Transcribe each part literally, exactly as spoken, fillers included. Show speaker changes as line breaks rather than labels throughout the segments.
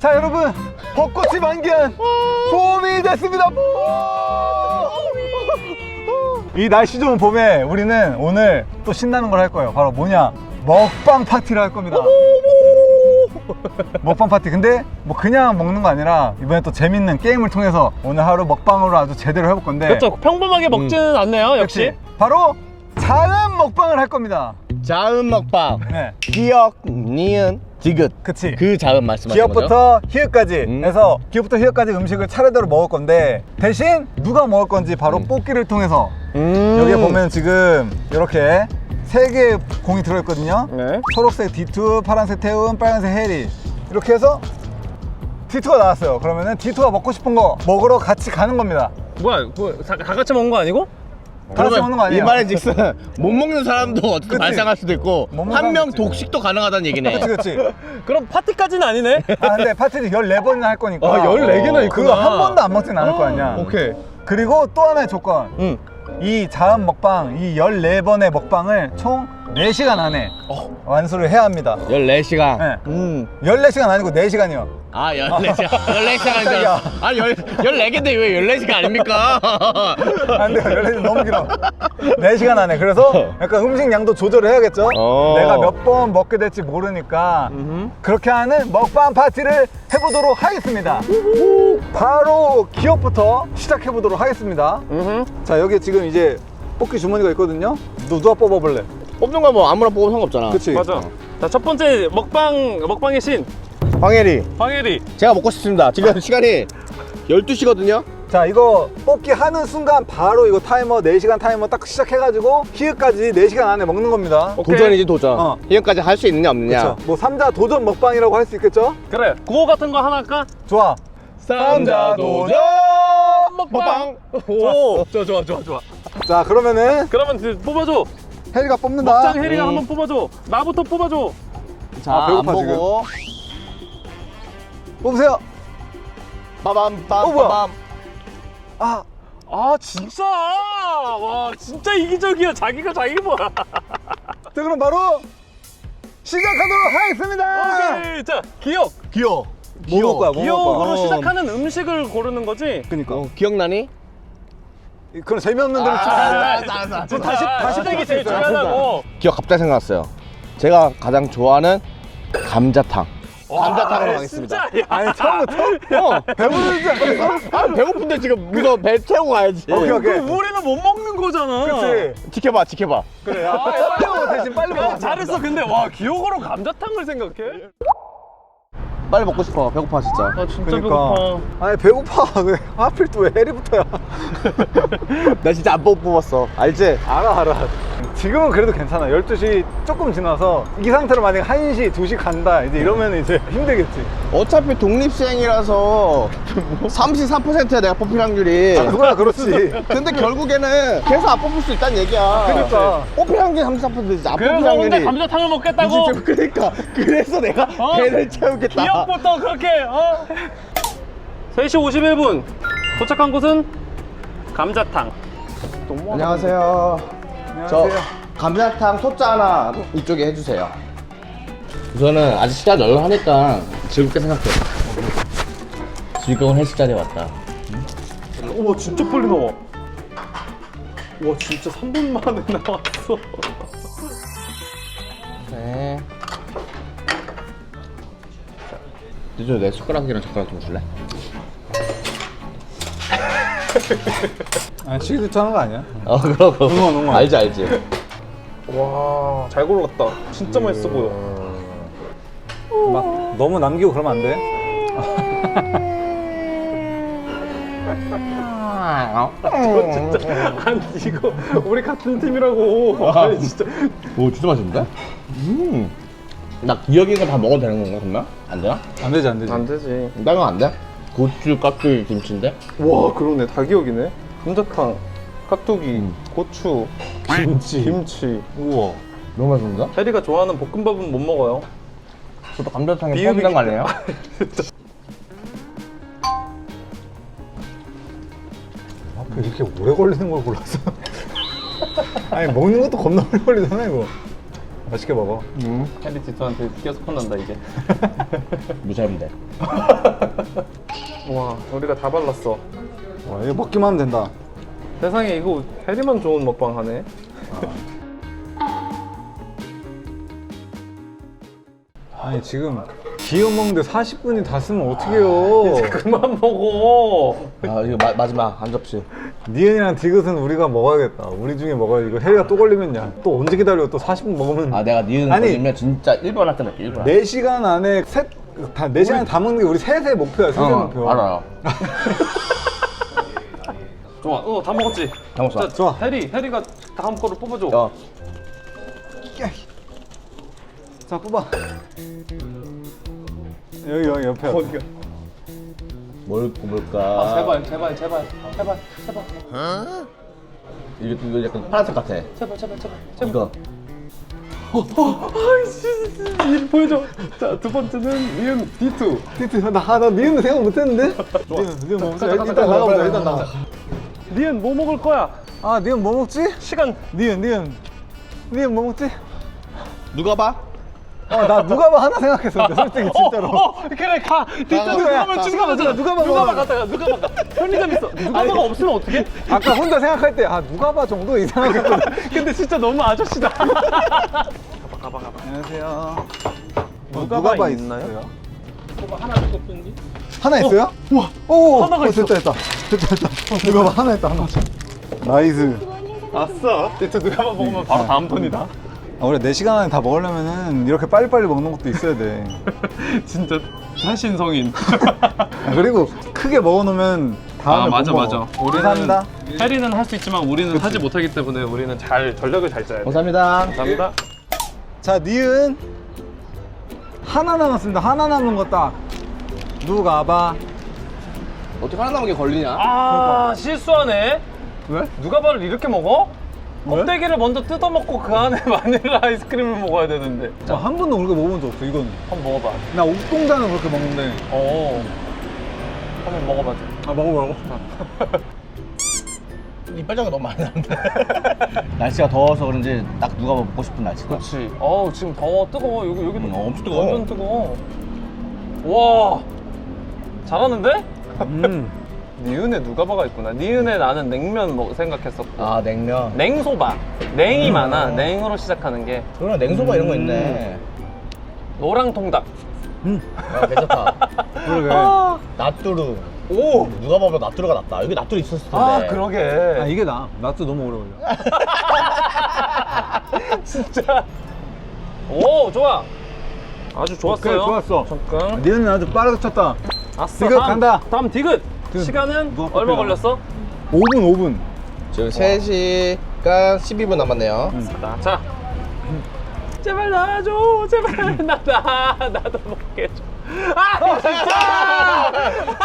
자 여러분, 벚꽃이 만개한 봄이 됐습니다. 이 날씨 좋은 봄에 우리는 오늘 또 신나는 걸 할 거예요. 바로 뭐냐, 먹방 파티를 할 겁니다. 먹방 파티. 근데 뭐 그냥 먹는 거 아니라 이번에 또 재밌는 게임을 통해서 오늘 하루 먹방으로 아주 제대로 해볼 건데.
그렇죠. 평범하게 먹지는 음. 않네요. 역시.
역시 바로 자음 먹방을 할 겁니다.
자음 먹방.
네.
기억, 니은, 디귿.
그치.
그 자음 말씀하시는 거죠?
기억부터 히읗까지
음.
해서 기억부터 히읗까지 음식을 차례대로 먹을 건데, 대신 누가 먹을 건지 바로
음.
뽑기를 통해서
음.
여기에 보면 지금 이렇게 세 개의 공이 들어있거든요.
네.
초록색 디투, 파란색 태운, 빨간색 해리, 이렇게 해서 디투가 나왔어요. 그러면은 디투가 먹고 싶은 거 먹으러 같이 가는 겁니다.
뭐야? 뭐, 다, 다 같이 먹는 거 아니고?
다 같이 먹는 거 아니에요?
이 말의 즉슨 못 먹는 사람도 어떻게
그치.
발생할 수도 있고
못 먹는
한 명
사람도
독식도 가능하다는 얘기네.
그치 그치.
그럼 파티까지는 아니네.
아 근데 파티를 열네 번이나 할 거니까.
아, 열네 개나 있구나.
그거 한 번도 안 먹진 않을 거 아니야.
오케이.
그리고 또 하나의 조건.
응.
이 자음 먹방, 이 열네 번의 먹방을 총 네 시간 안에
어.
완수를 해야 합니다.
열네 시간.
네.
음.
열네 시간 아니고 네 시간이요.
아, 열네 시간. 열네 시간
깜짝이야.
아니죠? 아, 열, 열네 개인데 왜 열네 시간 아닙니까?
안 돼요. 열네 시간 너무 길어. 네 시간 안에. 그래서 약간 음식 양도 조절을 해야겠죠?
어.
내가 몇 번 먹게 될지 모르니까
음흠.
그렇게 하는 먹방 파티를 해보도록 하겠습니다. 바로 기억부터 시작해보도록 하겠습니다.
음.
자, 여기 지금 이제 뽑기 주머니가 있거든요. 너 누가 뽑아볼래?
뽑는 거 뭐 아무나 뽑으면 상관없잖아.
그치?
맞아. 자, 첫 번째 먹방 먹방의 신
황혜리.
황혜리.
제가 먹고 싶습니다. 지금 시간이 열두 시거든요.
자, 이거 뽑기 하는 순간 바로 이거 타이머, 네 시간 타이머 딱 시작해가지고 히읗까지 네 시간 안에 먹는 겁니다.
오케이.
도전이지 도전.
어.
이거까지 할 수 있느냐 없느냐.
그쵸? 뭐 삼자 도전 먹방이라고 할 수 있겠죠?
그래. 구호 같은 거 하나 할까?
좋아.
삼자
도전
먹방. 오. 좋아 좋아 좋아 좋아.
자, 그러면은
그러면 이제 뽑아줘.
혜리가 뽑는다.
먹장 혜리가
음.
한번 뽑아줘. 나부터 뽑아줘.
자,
아, 배고파,
안 보고.
뽑으세요.
빠밤
어, 뭐야?
빠밤.
아,
아 진짜. 와 진짜 이기적이야. 자기가 자기 뭐야.
자, 그럼 바로 시작하도록 하겠습니다.
오케이. 자 기억.
기억. 뭐 먹을 거야? 뭐 먹을
기억으로
거야?
시작하는 음식을 고르는 거지.
그니까.
어, 기억나니?
그럼 재미없는 대로
아,
치자.
알았어, 알았어, 알았어.
다시 다시
시작이
뽑을 수
제일
있어요.
중요하다고.
기억 갑자기 생각났어요. 제가 가장 좋아하는 감자탕. 감자탕으로
와,
가겠습니다.
진짜, 야.
아니, 처음부터
어,
배부르지 않겠어?
아, 배고픈데 지금 이거 배 채우고 가야지.
오케이, 오케이.
그럼 우리는 못 먹는 거잖아.
그치.
지켜봐, 지켜봐.
그래. 야, 빨리 빨리 먹어. 대신 빨리 먹어.
야, 잘했어. 근데 와 기억으로 감자탕을 생각해?
빨리 먹고 싶어. 배고파 진짜.
아 진짜
그러니까.
배고파.
아니, 배고파. 왜 하필 또 왜 해리부터야?
나 진짜 안 뽑았어. 알지?
알아, 알아. 지금은 그래도 괜찮아. 열두 시 조금 지나서 이 상태로 만약에 한 시, 두 시 간다 이제 이러면 이제 힘들겠지.
어차피 독립시행이라서 삼십삼 퍼센트야 내가 뽑힐 확률이.
아, 그거야 그렇지.
근데 결국에는 계속 안 뽑을 수 있다는 얘기야.
그러니까.
뽑힐 확률이 삼십삼 퍼센트지. 안 뽑힐
그래서
확률이.
혼자 감자탕을 먹겠다고?
이십, 그러니까 그래서 내가
어?
배를 채우겠다.
기억부터 그렇게 어? 세 시 오십일 분 도착한 곳은 감자탕. 너무
안녕하세요. 저
안녕하세요.
감자탕 소자 하나 이쪽에 해주세요. 우선은 아직 시간 널널하니까 즐겁게 생각해. 즐거운 헬스 자리에 왔다.
우와 진짜 빨리 나와. 와 진짜 삼 분 만에 나왔어.
네. 이제 내 숟가락이랑 젓가락 좀 줄래?
아니, 시기도 하는 거 아니야?
어 그럼 그럼.
응원, 응원.
알지 알지.
와 잘 골랐다. 진짜 맛있어 보여.
막 너무 남기고 그러면 안 돼.
아니 이거 우리 같은 팀이라고. 아니 진짜.
오 진짜 맛있는데? 음. 나 기억인 거 다 먹어도 되는 건가 그러면? 안 되나?
안 되지, 안 되지.
안 되지.
나는 안 돼? 고추, 깍두기, 김치인데?
와 그러네 다 기억이네. 감자탕, 깍두기,
음.
고추,
김치.
김치.
우와.
너무 맛있는데?
혜리가 좋아하는 볶음밥은 못 먹어요.
저도 감자탕에
비유기-
포함된 거 아니에요?
앞에 이렇게 오래 걸리는 걸 골랐어. 아니, 먹는 것도 겁나 오래 걸리잖아, 이거. 맛있게 먹어.
음.
해리 디토한테 계속 혼난다 이제.
무시하면 돼.
와, 우리가 다 발랐어.
와, 이거 먹기만 하면 된다.
세상에 이거 해리만 좋은 먹방 하네.
아니 지금 기어 먹는데 사십 분이 다 쓰면 어떡해요.
그만 먹어.
아 이거 마, 마지막 한 접시.
니은이랑 디귿은 우리가 먹어야겠다. 우리 중에 먹어야 이거 해리가 또 걸리면야. 또 언제 기다려? 또 사십 분 먹으면.
아 내가 니은
아니.
걸리면 진짜 일 번 할 때 할게 일 번.
네 시간 안에 셋, 다, 네 시간 다 먹는 게 우리 셋의 목표야. 셋의
어,
목표.
알아요.
좋아, 어, 다 먹었지?
다 먹었어.
자,
좋아.
해리, 해리가 다음 거를 뽑아줘.
야,
자, 뽑아. 여기, 여기 옆에.
어디가?
뭘 뽑을까?
아, 제발, 제발, 제발, 제발, 제발,
이거, 이거 약간 파란색 같아.
제발, 제발, 제발, 제발.
이거.
아이씨, 이 보여줘. 자, 두 번째는 니은 디투.
티트, 나, 나 니은 생각 못 했는데? 니은, 니은 뭐 먹자. 일단 나가보자, 일단 나가.
니은 뭐 먹을 거야?
아, 니은 뭐 먹지?
시간.
니은, 니은. 니은 뭐 먹지?
누가 봐?
어, 나 누가봐 하나 생각했었는데, 솔직히, 진짜로.
어, 어, 그래 가. 디투
가,
누가
가,
면
가.
누가 봐,
누가 봐,
누가 봐
누가
갔다가 누가 봐. 편의점 있어. 누가 봐가 없으면 어떡해?
아까 혼자 생각할 때, 아, 누가봐 정도 이 생각했거든.
근데 진짜 너무 아저씨다. 가봐, 가봐, 가봐.
안녕하세요.
누가봐
누가봐
있나요?
있어요?
누가 하나 정도 뿐지?
하나 있어요? 우와. 오,
하나가
어,
있어.
됐다, 됐다. 됐다, 됐다. 어, 누가봐 하나 있다, 하나. 나이스.
아싸. 디투 누가 봐 먹으면 바로 다음 턴이다.
아, 우리 네 시간 안에 다 먹으려면은 이렇게 빨리빨리 먹는 것도 있어야 돼.
진짜 한신성인.
아, 그리고 크게 먹어놓으면 다음에
아, 맞아,
못
맞아.
먹어. 감사합니다.
해리는 할 수 있지만 우리는 하지 못하기 때문에 우리는 잘 전략을 잘 짜야 돼.
감사합니다.
감사합니다.
자, 니은 하나 남았습니다. 하나 남은 거 딱. 누가봐.
어떻게 하나 남은 게 걸리냐?
아, 실수하네.
왜?
누가 바를 이렇게 먹어?
왜?
껍데기를 먼저 뜯어 먹고 그 안에 바닐라 아이스크림을 먹어야 되는데.
자, 한 번도 그렇게 먹어본 적 없어, 이거는.
한번 먹어봐.
나 옥동자는 그렇게 먹는데.
어. 한번 먹어봐.
아, 먹어보라고?
이빨장이 너무 많이 나는데. 날씨가 더워서 그런지 딱 누가 먹고 싶은 날씨다.
그렇지. 어우, 지금 더워. 뜨거워. 여기, 여기도
음, 엄청 뜨거워.
완전 뜨거워. 와. 잘하는데?
음.
니은에 누가바가 있구나. 니은에 나는 냉면 먹 생각했었고.
아 냉면.
냉소바. 냉이 많아. 냉으로 시작하는 게.
그러나 냉소바 이런 거 있네.
노랑통닭.
야, 괜찮다.
그러게.
아,
나뚜루.
오.
누가 봐도 나뚜루가 낫다. 여기 나뚜루 있었을 텐데.
아, 그러게.
아, 이게 나. 나도 너무 오래 걸려.
진짜. 오, 좋아. 아주 좋았어요.
오케이, 좋았어.
잠깐.
니은은 아주 빠르게 쳤다.
아싸.
디귿
다음,
간다.
다음 디귿.
디귿.
시간은
누가
얼마
뽑히나?
걸렸어?
오 분, 오 분.
지금 세 시간 십이 분 남았네요.
자, 자. 제발 나와줘. 제발 나, 나 나도 먹게 해줘. 아, 진짜.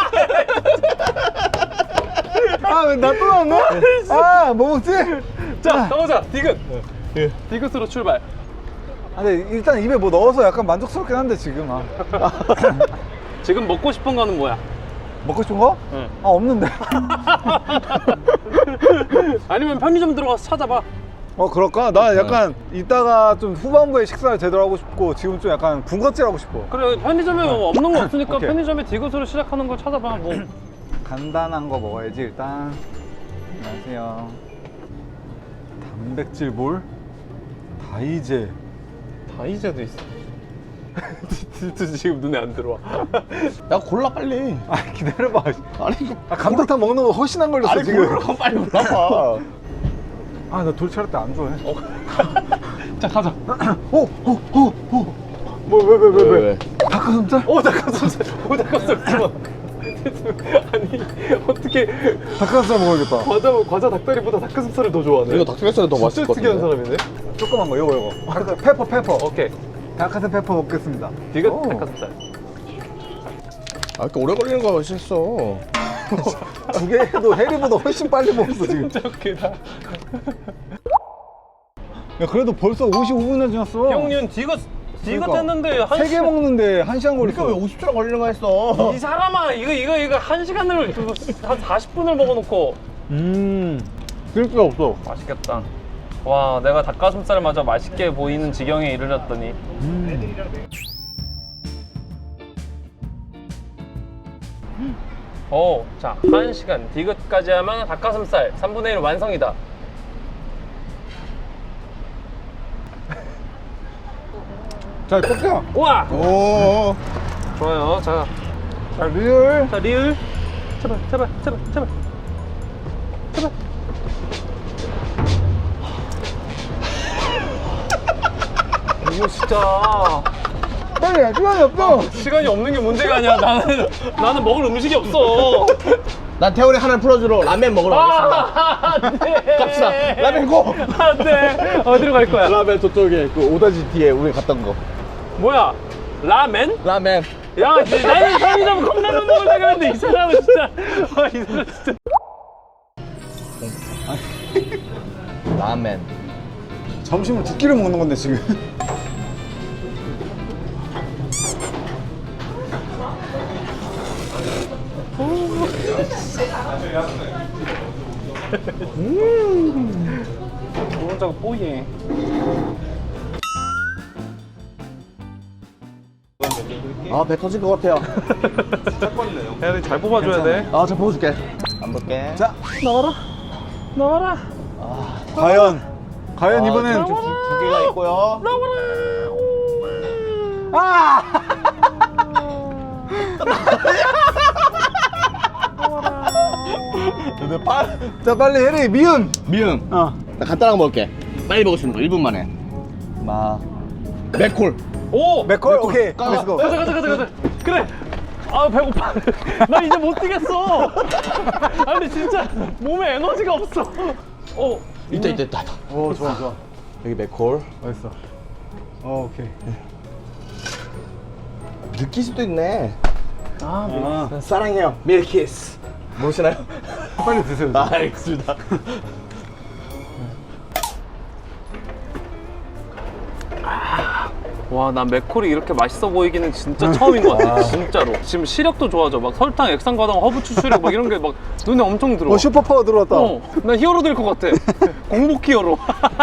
아, 왜 나 또 나왔네? 아, 뭐 먹지?
자, 가보자. 디귿. 디귿으로 출발.
아, 근데 일단 입에 뭐 넣어서 약간 만족스럽긴 한데, 지금. 아.
지금 먹고 싶은 거는 뭐야?
먹고 싶은 거?
응.
아, 없는데.
아니면 편의점 들어가서 찾아봐.
어, 그럴까? 나 약간 이따가 좀 후반부에 식사를 제대로 하고 싶고, 지금 좀 약간 군것질 하고 싶어.
그래, 편의점에 뭐 없는 거 없으니까
오케이.
편의점에 디귿으로 시작하는 걸 찾아봐. 뭐.
간단한 거 먹어야지, 일단. 안녕하세요. 단백질 볼? 다이제.
다이제도 있어. 진짜 지금 눈에 안 들어와.
야 골라 빨리.
아, 기다려봐.
아니 이거
아, 감자탕 먹는 거 훨씬 안 걸렸어,
아니
지금.
골라 빨리 골라봐.
아, 나 돌차를 때 안 좋아해.
자, 가자.
오, 오, 오, 오. 뭐, 왜, 왜, 왜, 왜?
왜?
닭가슴살?
오, 닭가슴살. 오, 닭가슴살. 집어. 아니, 어떻게
닭가슴살 먹어야겠다.
과자 과자 닭다리보다 닭가슴살을 더 좋아하네.
이거 닭가슴살이 더 맛있을
진짜
것
특이한
같은데.
사람이네.
조그만 거, 요거, 요거. 닭가- 페퍼, 페퍼.
오케이.
닭가슴 페퍼 먹겠습니다.
디귿
오.
닭가슴살.
아 이렇게 오래 걸리는 거 실수.
두 개도 해리보다 훨씬 빨리 먹었어, 지금.
진짜 웃기다.
야, 그래도 벌써 오십오 분이나 지났어.
형님 디귿 디귿
그러니까.
했는데 한
세 개
시간-
먹는데 한 시간 걸렸어.
그러니까 왜 오십 초나 걸리는 거 했어?
이 사람아 이거 이거 이거 한 시간을 한 사십 분을 먹어놓고
음, 그럴 게 없어.
맛있겠다. 와, 내가 닭가슴살마저 맛있게 보이는 지경에 이르렀더니. 오, 자, 한 시간 디귿까지 하면 닭가슴살 삼분의 일 완성이다.
자, 꺾여.
우와!
오.
좋아요. 자,
자, 리얼.
자 리을. 제발, 제발, 제발, 제발. 제발. 이거 진짜.
빨리 해. 시간이 없어.
시간이 없는 게 문제가 아니야. 나는 나는 먹을 음식이 없어.
난 태훈이 하나를 풀어주러 라면 먹으러 가겠습니다.
아, 안 돼.
갑시다. 라면 고!
안 돼. 어디로 갈 거야?
라면 저쪽에 그 오다지 뒤에 우리 갔던 거.
뭐야? 라멘?
라면.
야, 진짜 나는 편의점 컵라면 먹으려고 했는데 이 사람은 진짜. 아, 이 사람 진짜.
라면.
점심을 두 끼를 먹는 건데 지금.
노른자가 뽀얘.
아, 배 터질 것 같아요.
야, 잘 뽑아줘야 돼.
아, 저 보여줄게. 안 볼게.
자,
나와라. 나와라.
과연. 과연
아,
이번엔.
두, 두, 두 개가 있고요.
아!
근데 빨
자, 빨리 해리. 미음.
미음.
어.
나 간단한 거 먹을게. 빨리 먹을 수 있는 거 일 분 만에. 마. 맥콜.
오!
맥콜. 오케이.
까-
렛츠고.
가자, 가자, 가자, 가자. 그래. 아, 배고파. 나 이제 못 뛰겠어. 아니, 진짜 몸에 에너지가 없어. 어,
있다, 있다, 있다. 있다.
오, 좋아, 좋아.
여기 맥콜.
맛있어. 어, 오케이.
느낄 수도 있네.
아,
아,
사랑해요. 밀키스. 모르시나요?
빨리 드세요.
아, 알겠습니다.
와, 난 맥콜이 이렇게 맛있어 보이기는 진짜 처음인 것 같아. 진짜로. 지금 시력도 좋아져. 막 설탕, 액상과당, 허브 추출액 막 이런 게 막 눈에 엄청 들어와.
어, 슈퍼파워 들어왔다.
어, 나 히어로 될 것 같아. 공복 히어로.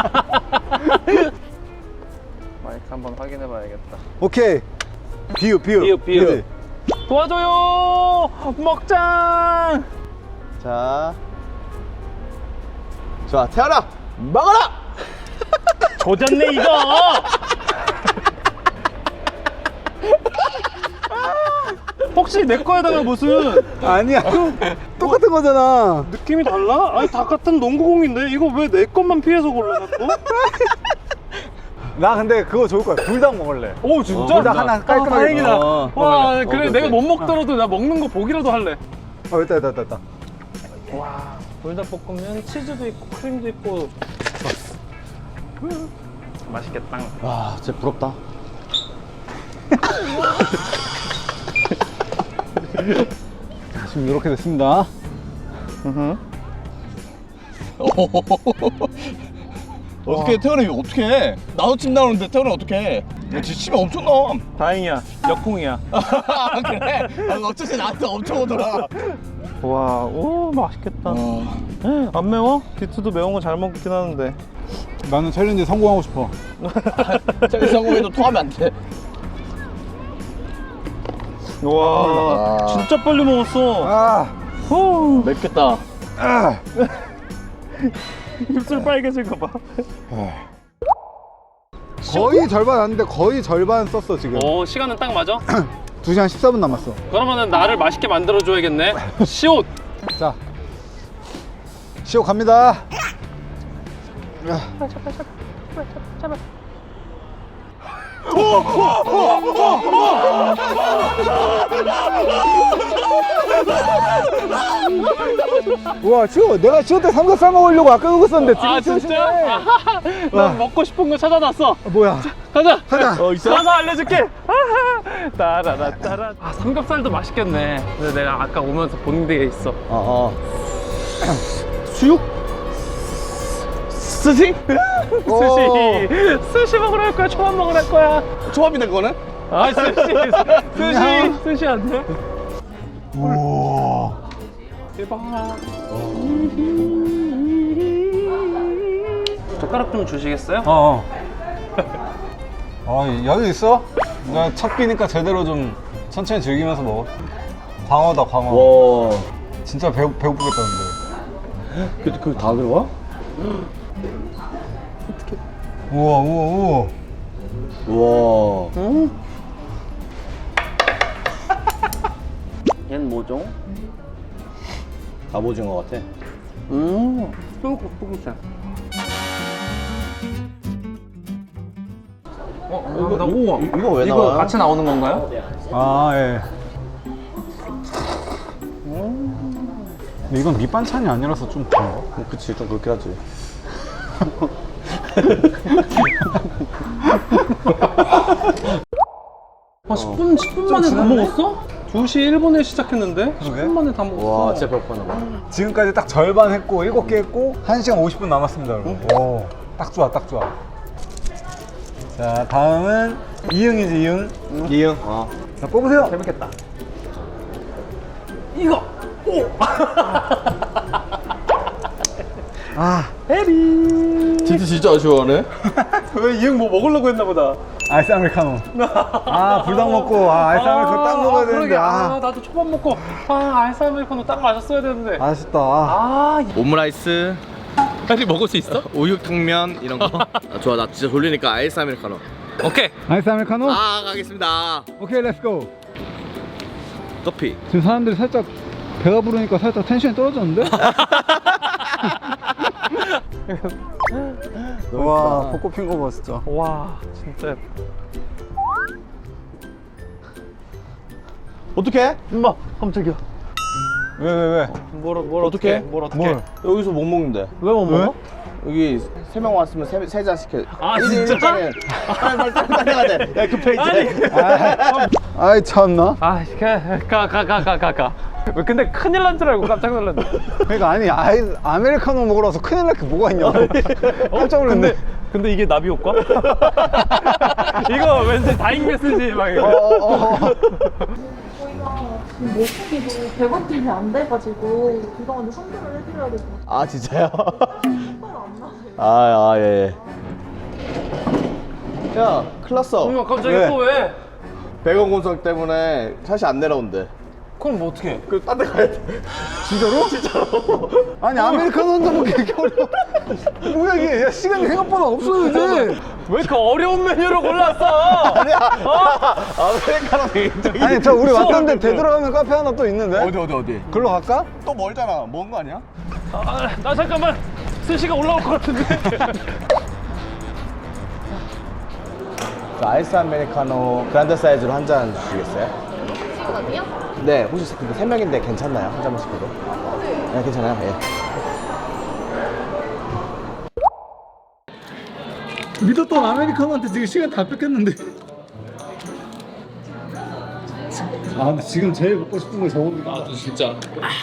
마이크 한번 확인해 봐야겠다.
오케이. 비읍, 비읍.
비읍, 비읍.
그치?
도와줘요! 먹장!
자. 자, 태연아! 먹어라!
조졌네, 이거! 혹시 내 거에다가 무슨
아니야. 똑같은 거잖아.
느낌이 달라? 아니, 다 같은 농구공인데 이거 왜 내 것만 피해서 골라놨고?
나 근데 그거 좋을 거야. 불닭 먹을래.
오, 진짜?
불닭 하나 깔끔하게.
아, 다행이다.
어.
와,
어,
그래,
오케이,
내가
오케이.
못 먹더라도 나 먹는 거 보기라도 할래.
어, 있다, 있다, 있다, 있다.
와, 불닭볶음면 치즈도 있고 크림도 있고 맛있겠다.
와, 진짜 부럽다.
지금 이렇게 됐습니다.
어떻게 태연이 어떻게 해? 나도 침 나오는데 태연이 어떻게 해? 야, 진짜 침이 엄청 나와.
다행이야, 역풍이야.
아, 그래? 아, 어쩐지 나한테 엄청 오더라.
와, 오, 맛있겠다.
어.
안 매워? 디투도 매운 거 잘 먹긴 하는데.
나는 챌린지 성공하고 싶어.
챌린지 성공해도 토하면 안 돼.
와,
아.
진짜 빨리 먹었어.
아,
후,
맵겠다.
아.
입술 빨개진 거 봐.
거의 절반 왔는데 거의 절반 썼어 지금.
오, 시간은 딱 맞아?
두 시간 십사 분 남았어.
그러면은 나를 맛있게 만들어줘야겠네. 시옷.
자, 시오 갑니다. 우와, 시오, 내가 시오 때 삼겹살 먹으려고 아까 그거 썼는데 지금
아,
시오
진짜?
시네.
아하하, 나 먹고 싶은 거 찾아놨어.
아, 뭐야?
가자.
가자.
어, 있어?
가서 알려줄게. 아하. 따라라 따라. 아, 삼겹살도 맛있겠네. 근데 내가 아까 오면서 본 게 있어.
어, 어. 수육? 스시?
스시. 스시 먹으러 갈 거야. 초밥 먹으러 갈 거야.
초밥이네, 그거는?
아, 스시. 스시. 스시 안 돼?
우와.
대박. 젓가락 좀 주시겠어요?
어. 어, 여유 있어? 나 첫 끼니까 제대로 좀 천천히 즐기면서 먹어. 광어다, 광어.
와.
진짜 배고, 배고프겠다, 근데.
그, 그 다 들어가?
우와, 우와, 우와.
우와.
응? 얘는 뭐죠?
갑오징어 같아.
음, 뽀글뽀글해. 어, 감사합니다. 우와.
이- 이거 왜
이거
나와요?
같이 나오는 건가요?
아, 예. 근데 이건 밑반찬이 아니라서 좀 그런가?
어, 그치, 좀 그렇긴 하지.
아, 십 분, 십 분 만에 다
지났네?
먹었어? 두 시 일 분에 시작했는데 십 분 만에 다 먹었어.
와, 진짜 배고팠나 봐.
지금까지 딱 절반 했고, 일곱 개 했고, 한 시간 오십 분 남았습니다, 여러분. 오, 딱 좋아, 딱 좋아. 자, 다음은 이응이지, 이응.
이응. 어.
자, 뽑으세요.
재밌겠다. 이거! 오!
아,
진짜 진짜 아쉬워하네.
왜 이형 뭐 먹으려고 했나 보다.
아이스 아메리카노. 아, 불닭 먹고, 아, 아이스 아메리카노 딱 먹어야 되는데,
그러게. 아,
아.
나도 초밥 먹고, 아, 아이스 아메리카노 딱 마셨어야 되는데.
아쉽다. 아.
아,
오므라이스,
빨리 먹을 수 있어?
우육탕면 이런 거. 아, 좋아, 나 진짜 졸리니까 아이스 아메리카노.
오케이.
아이스 아메리카노?
아, 가겠습니다.
오케이, 렛츠고.
커피.
지금 사람들이 살짝 배가 부르니까 살짝 텐션이 떨어졌는데? 와, 벚꽃 핀 거 봐, 진짜.
와, 진짜 예뻐.
어떡해?
엄마, 깜짝이야.
왜, 왜, 왜?
뭘, 뭘
어떡해?
어떻게? 뭘 어떻게?
뭘?
여기서 못 먹는데.
왜 못
왜?
먹어?
여기 세 명 왔으면 세, 세 잔 시켜.
아,
일 인
진짜?
일 잔은 빨리 빨리 빨리 빨리 가야 돼. 야, 급해 이제.
아이, 참나.
아, 가, 가, 가, 가, 가, 가. 왜 근데 큰일 난 줄 알고 깜짝 놀랐네.
그러니까 아니, 아이, 아메리카노 먹으러 와서 큰일 날 게 뭐가 있냐고. 깜짝 놀랐네.
근데, 근데 이게 나비 효과? 이거 왠지 다잉 메시지 막 이거.
어, 어.
저희가 지금 먹기도 백 원 때문에 안 돼가지고 그동안에 선별을 해드려야 될 것 같아요.
아, 진짜요?
선별 안 나세요.
아, 아, 예, 예. 야, 큰일 났어.
어머, 갑자기
왜?
또 왜?
백원 공석 때문에 샷이 안 내려온대.
그럼 뭐 어떻게?
그, 딴 데 가야 돼.
진짜로? 진짜로. 아니, 아메리카노 혼자 먹기 이렇게 어려워. 뭐야, 이게. 야, 시간이 생각보다 없어, 이제.
왜 이렇게 어려운 메뉴를 골랐어?
아니야. 아메리카노 굉장히.
아니, 저 우리 왔던데
수업을
되돌아가는 카페 하나 또 있는데?
어디, 어디, 어디?
글로 갈까?
또 멀잖아. 먼 거 아니야?
아, 나 잠깐만 스시가 올라올 것 같은데.
그 아이스 아메리카노 그란데 사이즈로 한 잔 주시겠어요?
시간이요?
네, 혹시 근데 세 명인데 괜찮나요? 한 잔만 시켜도? 네, 괜찮아요. 예.
믿었던 아메리카노한테 지금 시간 다 뺏겼는데. 아, 근데 지금 제일 먹고 싶은 거 저건데. 아,
진짜.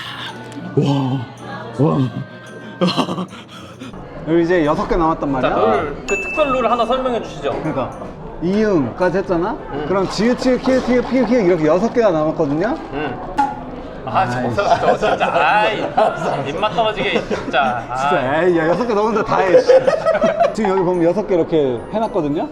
여기 이제 여섯 개 남았단 말이야.
룰, 그 특별 룰 하나 설명해 주시죠.
그러니까 이응까지 했잖아. 그럼 지읒, 치읒, 키읔, 티읒, 피읒, 키읔 이렇게 여섯 개가 남았거든요.
응. 아, 진짜, 저 진짜, 아이, 입맛 떨어지게, 진짜. 아.
진짜 에이, 야 여섯 개 넣었는데 다 해. 씨. 지금 여기 보면 여섯 개 이렇게 해놨거든요.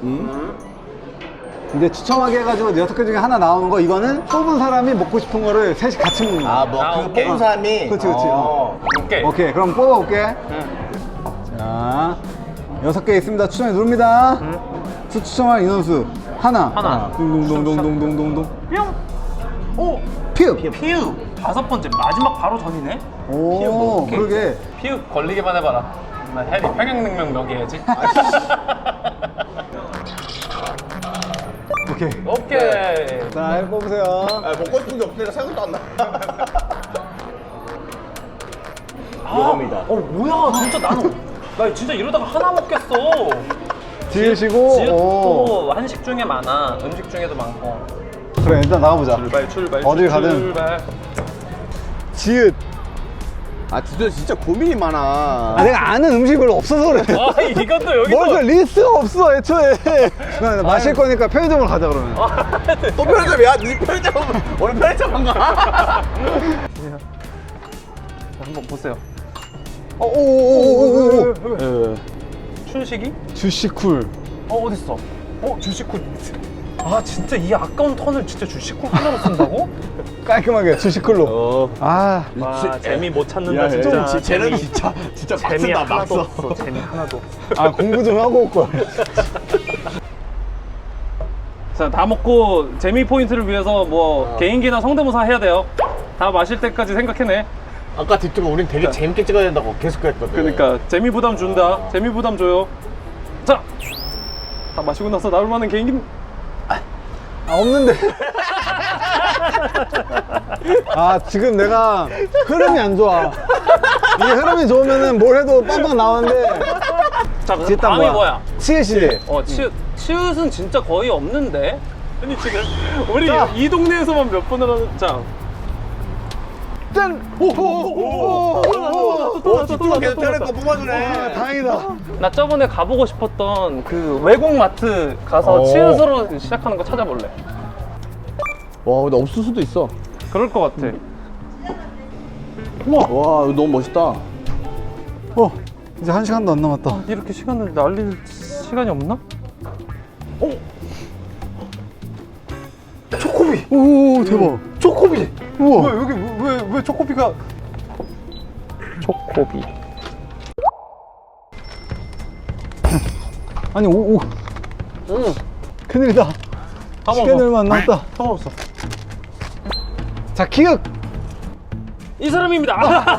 이제 추첨하게 해가지고 여섯 개 중에 하나 나오는 거, 이거는 뽑은 사람이 먹고 싶은 거를 셋이 같이 먹는 거야.
아, 뭐,
아,
그
오케이.
뽑은 사람이.
그렇지, 그렇지.
어.
오케이.
오케이, 그럼 뽑아볼게.
응.
자, 여섯 개 있습니다. 추첨해 누릅니다. 수 추첨할 인원수 하나.
하나.
동동동동동동동.
뿅! 오!
피읍.
피우! 다섯 번째, 마지막 바로 전이네?
오,
오케이.
그러게.
피우 걸리기만 해봐라. 나 해리 평양냉면 먹여야지.
오케이.
오케이.
자, 해 뽑으세요.
아, 먹고 싶은 게 없으니까 생각도 안 나.
아,
요겁니다.
어, 뭐야, 진짜 나는. 나 진짜 이러다가 하나 먹겠어.
지으시고. 오.
지읒도 한식 중에 많아. 음식 중에도 많고.
그래, 일단 나가보자.
출발, 출발.
어딜 가든.
출발.
지읒.
아, 진짜, 진짜 고민이 많아.
아, 내가 아는 음식이 별로 없어서 그래.
아, 이것도 여기서.
뭘그 리스트가 없어, 애초에. 나, 나 마실 거니까 편의점으로 가자, 그러면.
또 편의점이야? 니 편의점, 오늘 편의점 안 가?
한번 보세요.
어, 오오오오오오.
예.
춘식이?
주시쿨.
어 어딨어? 어 주식쿨. 아 진짜 이 아까운 턴을 진짜 주식쿨 하나로 쓴다고?
깔끔하게 주시쿨로.
어.
아,
와 재미 못 찾는다
야,
진짜.
좀 쟤는
재미-
진짜 진짜
재미
빡센다,
하나도
빡써.
없어. 재미 하나도 없어.
아 공부 좀 하고 올 걸.
자, 다 먹고 재미 포인트를 위해서 뭐 개인기나 성대모사 해야 돼요. 다 마실 때까지 생각해내.
아까 뒷두가 우린 되게 재밌게 찍어야 된다고 계속 그랬거든.
그러니까 재미 부담 준다. 재미 부담 줘요. 자, 다 마시고 나서 나올 만한 개인기.
아 없는데. 아 지금 내가 흐름이 안 좋아. 이게 흐름이 좋으면은 뭘 해도 빵빵 나오는데.
자, 그럼
일단
다음이 뭐야?
치읓이지.
어, 치읓. 치읓은 진짜 거의 없는데. 아니 지금 우리
자.
이 동네에서만 몇 번을 하는. 자,
짠. 오오오오.
오, 뒷두가 계속 때릴 거 뽑아주네.
다행이다.
나 저번에 가보고 싶었던 그 외국 마트 가서
어.
치읓으로 시작하는 거 찾아볼래.
와, 근데 없을 수도 있어.
그럴 것 같아.
와, 이거 너무 멋있다.
어 이제 한 시간도 안 남았다.
아, 이렇게 시간을 날릴 시간이 없나? 초코비!
오 대박.
초코비!
우와.
왜 여기 왜, 왜 초코비가 초코비
아니 오 오.
응
큰일이다.
다
시간이
먹어.
얼마 안 남았다.
다 먹었어.
자 기억.
이 사람입니다.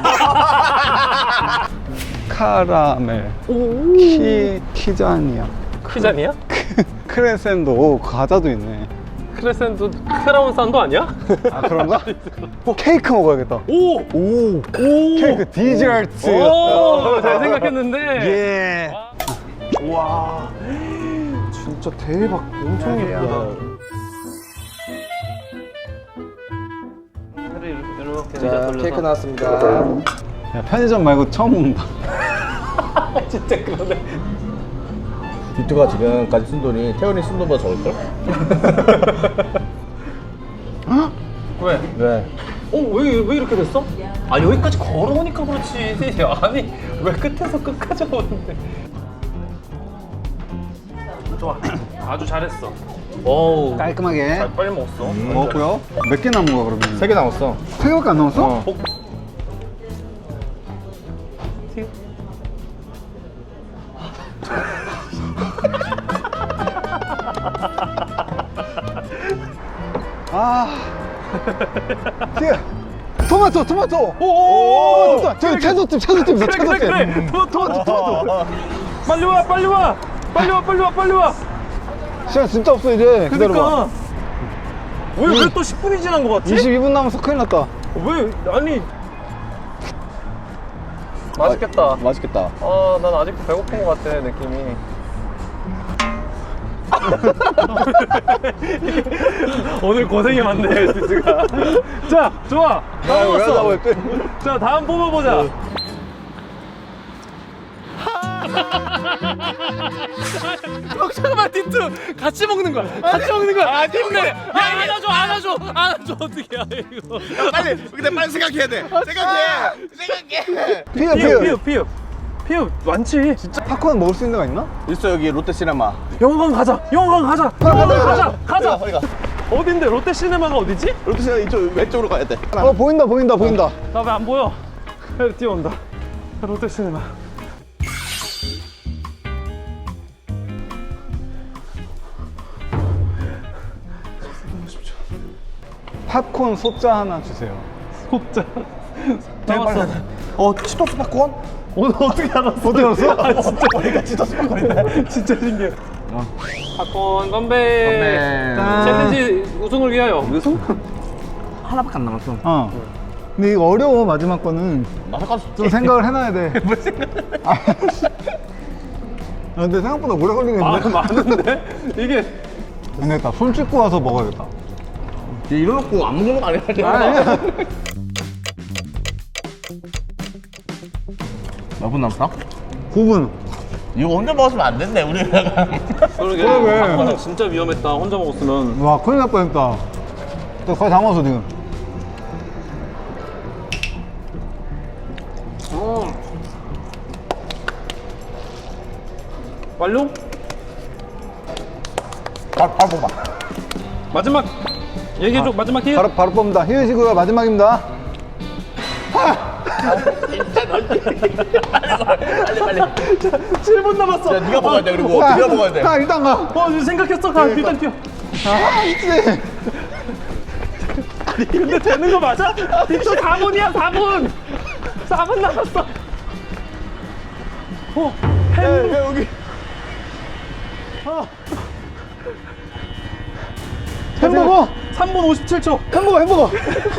카라멜. 키 키자니아.
피자니야?
크레센도. 오 과자도 있네.
크레센도 크라운 산도 아니야?
아 그런가? 케이크 먹어야겠다.
오!
오.
오!
케이크 디저트.
오! 잘 생각했는데.
예.
와. 진짜 대박. 엄청 예쁘다. 이렇게
자,
돌려서.
케이크 나왔습니다.
야, 편의점 말고 처음 온다.
진짜 그러네.
뒷두가 지금까지 쓴 돈이 태연이 쓴 돈보다 적을걸?
왜?
왜?
어? 왜, 왜 이렇게 됐어? 아 여기까지 걸어오니까 그렇지. 아니 왜 끝에서 끝까지 오는데. 좋아. 아주 잘했어. 어우
깔끔하게
잘 빨리 먹었어.
먹었고요. 몇 개 남은 거야 그러면?
세 개 남았어.
세 개밖에 안 남았어?
어.
복... 튀-
아. 튀어. 토마토 토마토.
오!
토마토. 저기 채소집 채소집 있어
그래
채소집.
그래 그래. 토마토 토마토 토마토. 빨리 와 빨리 와 빨리 와 빨리 와 빨리 와.
시간 진짜 없어 이제. 기다려봐.
그러니까 왜 왜 또 십 분이 지난 것 같지?
이십이 분 남았어. 큰일 났다.
왜 아니 맛있겠다.
맛있겠다.
아, 난 아직도 배고픈 것 같아 느낌이. 오늘 고생이 많네 스즈가. 자, 좋아. 다
야, 왜 하자고
먹었어.
했대?
자, 다음 뽑아보자. 잠깐만 디트 같이 먹는 거야. 같이 먹는 거야. 아, 힘내. 야, 안아줘, 안아줘, 안아줘. 어떻게 해 이거?
빨리, 근데 빨리 생각해야 돼. 생각해. 생각해.
피어
피읍,
피어.
피읍, 피읍, 피읍 많지.
진짜 팝콘 먹을 수 있는 데가 있나?
있어, 여기 롯데시네마.
영화관 가자. 영화관 가자. 영화관 가자. 가자.
어디 가?
어딘데? 롯데시네마가 어디지?
롯데시네마 이쪽 왼쪽으로 가야 돼.
어 보인다 보인다 보인다.
나 왜 안 보여? 뛰어온다. 롯데시네마.
팝콘 소자 하나 주세요.
속자. 잡았어.
어, 치토스 팝콘?
오늘 어떻게 알았어?
어떻게 알았어?
아, 진짜 머리가 치토스 팝콘이네. 진짜 신기해. 팝콘 건배.
짠.
챌린지 우승을 위하여. 우승?
하나밖에 안 남았어.
어. 근데 이거 어려워 마지막 거는.
마사카스
좀 생각을 해놔야 돼. 뭘 생각? 아, 근데 생각보다 오래
아,
걸리겠는데?
많은데? 이게.
안 되겠다. 손 씻고 와서 먹어야겠다.
이러놓고 안 먹는 거 아니야?
아니야.
몇 분 남았어?
구 분.
이거 혼자 먹었으면 안 됐네, 우리가.
그러게.
그러게.
팝콘은 진짜 위험했다. 혼자 먹었으면.
와, 큰일 날 뻔했다. 또 거의 다 먹었어, 지금.
음. 완료?
바로 바로 뽑아.
마지막 얘기해줘. 마지막 기회.
바로 바로 뽑는다. 휴식이고요. 마지막입니다.
빨리 빨리.
칠 분 남았어.
야, 네가 먹어야 돼. 그리고
가,
네가 먹어야 돼.
가 일단 가.
어 생각했어. 가 일단 뛰어.
아 있지.
아니 근데 되는 거 맞아? 또 사 분이야 사 분. 사 분 남았어. 어 햄.
야, 여기. 햄버거.
삼 분 오십칠 초.
햄버거 햄버거.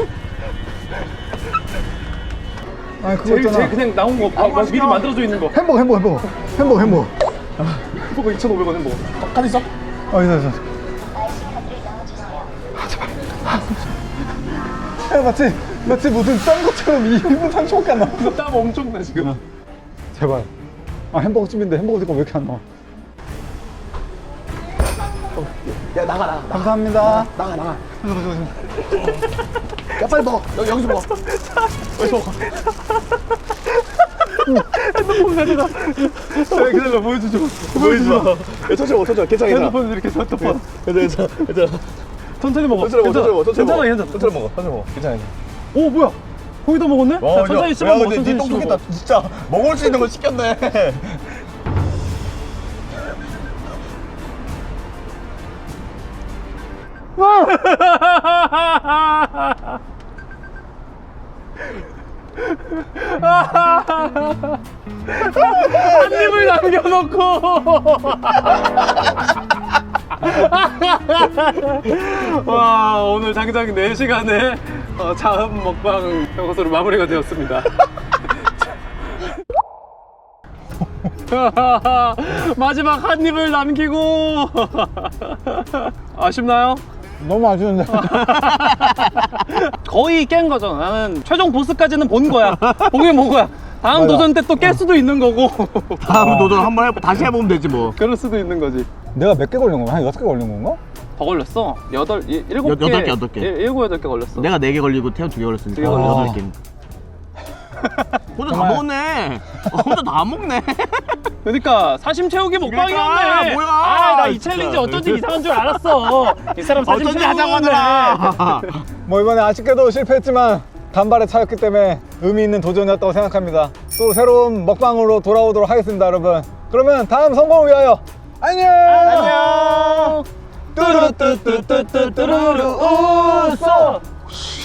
아 그거
제일
있잖아.
제일 그냥 나온 거 아, 아, 미리 만들어져 있는 거.
햄버거 햄버거 햄버거 햄버거 햄버거.
햄버거 이천오백 원 햄버거.
카드 있어?
어 있어 있어. 야 마치 마치 무슨 짠 것처럼 이 분 삼십 초밖에 안 나와.
땀 엄청 나 지금.
제발. 아 햄버거 집인데 햄버거 집가 왜 이렇게 안 나와?
야 나가 나가
감사합니다.
나가 나가. 야 빨리 먹어. 여기 여기서 먹어. 여기서 먹어.
핸드폰 가져가.
야, 기다려 보여주죠.
보여주마. 야 천천히 먹어 천천히. 괜찮아 괜찮아.
핸드폰 이렇게 해서 핸드폰.
괜찮아 괜찮아.
천천히 먹어.
천천히 먹어 천천히 먹어 천천히
괜찮아
먹어.
괜찮아.
천천히 먹어 천천히 먹어. 괜찮아.
오 뭐야? 거기다 먹었네? 자, 천천히 씹어 먹어. 천천히 씹어
똑똑했다.
먹어.
진짜 먹을 수 있는 거 시켰네.
한 입을 남겨놓고. 와 오늘 당장 네 시간에 어, 자음 먹방 이것으로 마무리가 되었습니다. 마지막 한 입을 남기고 아쉽나요?
너무 아쉬운데.
거의 깬 거죠. 나는 최종 보스까지는 본 거야. 보긴 본 거야. 다음
맞아.
도전 때 또 깰 수도 있는 거고.
다음 도전 한번 해 다시 해보면 되지 뭐.
그럴 수도 있는 거지.
내가 몇 개 걸린 건가? 한 여섯 개 걸린 건가?
더 걸렸어. 여덟, 일- 일곱
여-
개.
여덟 개, 여덟 개.
일- 일곱, 여덟 개 걸렸어.
내가 네 개 걸리고 태연 두 개 걸렸으니까
두개 걸렸어.
여덟 개. 혼자 다 먹었네. 어, 혼자 다 먹네.
그러니까 사심 채우기 먹방이었네.
그러니까, 뭐야.
아, 나 이
진짜.
챌린지 어쩐지 이상한 줄 알았어. 이 사람 사심
어쩐지
채우고
하자고
오네.
하더라.
뭐 이번에 아쉽게도 실패했지만 단발에 차였기 때문에 의미 있는 도전이었다고 생각합니다. 또 새로운 먹방으로 돌아오도록 하겠습니다, 여러분. 그러면 다음 성공을 위하여 안녕.
안녕.
뚜루뚜뚜뚜뚜뚜루루 웃어.